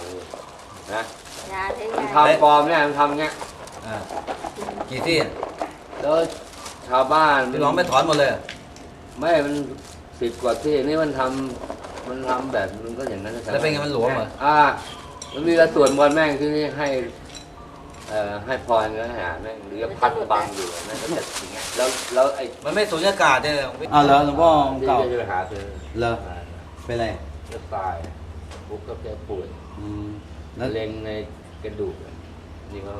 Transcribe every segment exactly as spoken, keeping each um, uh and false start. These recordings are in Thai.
นะยาใช้มันยาทำปลอมเนี่ยมันทำเงี้ยกี่ที่แล้วชาวบ้านพี่น้องไม่ถอนหมดเลยไม่มันสิบกว่าที่นี่มันทำมันทำแบบมันก็อย่างนั้นแล้วเป็นไงมันหลวมเหรออ่ามันมีกระส่วนบอลแม่งที่นี่ให้เอ่อให้พรแล้วหาแม่งหรือพัดบังอยู่แม่งก็จะอย่างเงี้ยแล้วแล้วไอ้มันไม่สูญญากาศเนี่ยอ้าวเหรอหลวงพ่อเก่าจะไปหาซื้อเหรอเป็นไรจะตายปุ๊บก็แกป่วยแล้วเล็งในกระดูกนี่ก็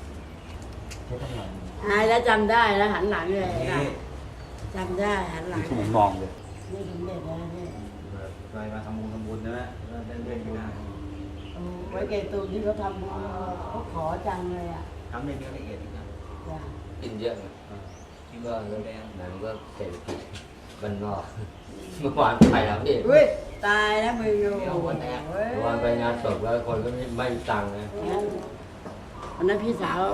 หายแล้วจำได้แล้วหันหลังเลยจำได้หันหลังผมมองเลยนี่ถึงเด็ดแล้วนี่ไปมาทำบุญทำบุญใช่ไหมเล่นเล่นอยู่นะไว้เกตุมที่เขาทำบุญเขาขอจังเลยอ่ะทำในเนื้อละเอียดอีกนะกินเยอะคิดว่าเรื่องนั้นก็เศรษฐกิจบ้านนอกเมื่อวานไปแล้วพี่อุ้ยตายแล้วมืออยู่เมื่อวานไปงานศพแล้วคนก็ไม่ไม่ตังค์นะวันนั้นพี่สาว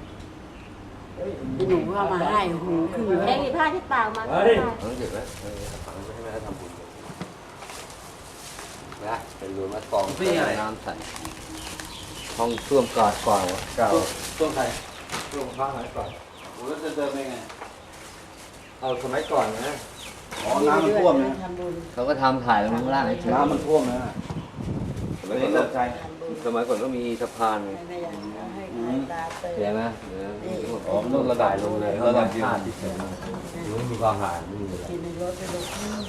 พี่หนุ่มเข้ามาให้หูขึ้นเลยแดงอีผ้าที่เปล่ามาต้องเก็บไว้ฝังไว้ให้แม่ทำบุญนะเป็นรวมมากองน้ำใส่ห้องท่วมกอดก่อนเก่าช่วงใครช่วงข้างไหนก่อนผมก็จะเดินไปไงเอาสมัยก่อนนะอ๋อน้ำมันท่วมนะเขาก็ทำถ่ายลงข้างล่างเฉยน้ำมันท่วมนะสมัยก่อนใจสมัยก่อนก็มีสะพานเห็นไหมอ๋อมันต้องระบายลงเลยระบายผ่านเฉยๆหรือมีความหายไม่มีอะไรกินในรถไปดู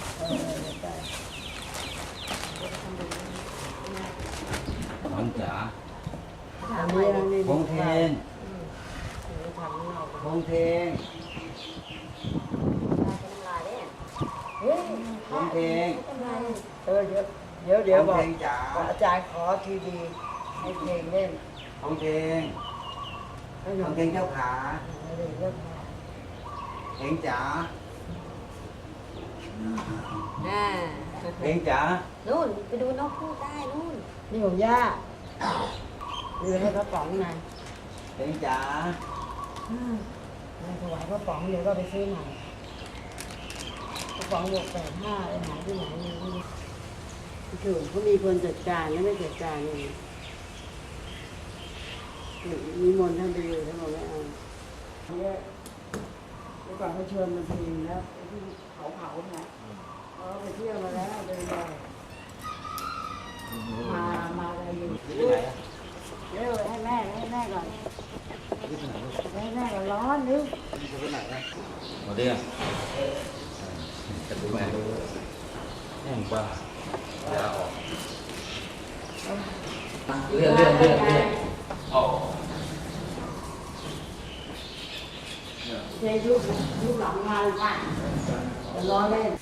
น้องจ๋าพงเทนพงเทนพงเทนเออเดี๋ยวเดี๋ยวเดี๋ยวบอกอาจารย์ขอทีดีให้เพลงเล่นพงเทนพงเทนเจ้าขาเพลงจ๋าเพลงจ๋านู่นไปดูนกพูดได้นู่นนี่ของย่าดูให้พระป๋องไงเพลงจ๋าถวายพระป๋องเดี๋ยวก็ไปซื้อใหม่พระป๋องบวกแปดห้าไปหาที่ไหนนี่ถูกเขามีคนจัดการแล้วไม่จัดการเลยมีมนท่านไปอยู่ท่านบอกไม่เอาเนี่ยเมื่อก่อนเขาชวนมาทีแล้วที่เขาเผาเนี่ยเขาไปเที่ยวมาแล้วเดินไปมามาอะไรอยู่ที่ไหนเร็วให้แม่ให้แม่ก่อนให้แม่ก่อนร้อนนึกไปไหนนะมาดิจะดูแม่แห้งกว่าอย่าออกเลื่อนเลื่อนเลื่อนเลื่อนเจ๊ยุบยุบหลังมาเลยป่ะจะล้อเล่น